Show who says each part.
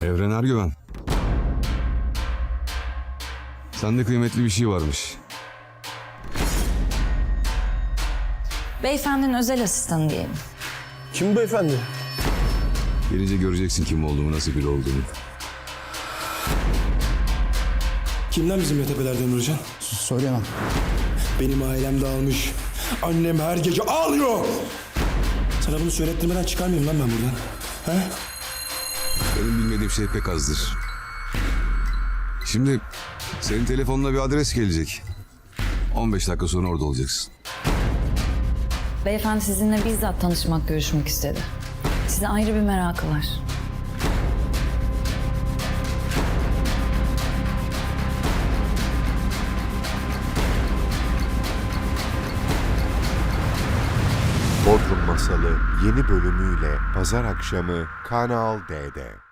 Speaker 1: Evren Ergüven. Sende kıymetli bir şey varmış.
Speaker 2: Beyefendinin özel asistanı diyelim.
Speaker 3: Kim beyefendi?
Speaker 1: Gelince göreceksin kim olduğumu, nasıl biri olduğumu.
Speaker 3: Kimden bizim tepelerden Nurcan?
Speaker 4: Söylemem.
Speaker 3: Benim ailem dağılmış. Annem her gece ağlıyor. Sana bunu söylettirmeden çıkarmayayım lan ben buradan. He?
Speaker 1: Benim bilmediğim şey pek azdır. Şimdi senin telefonuna bir adres gelecek. 15 dakika sonra orada olacaksın.
Speaker 2: Beyefendi sizinle bizzat tanışmak, görüşmek istedi. Size ayrı bir merakı var.
Speaker 5: Bodrum Masalı yeni bölümüyle pazar akşamı Kanal D'de.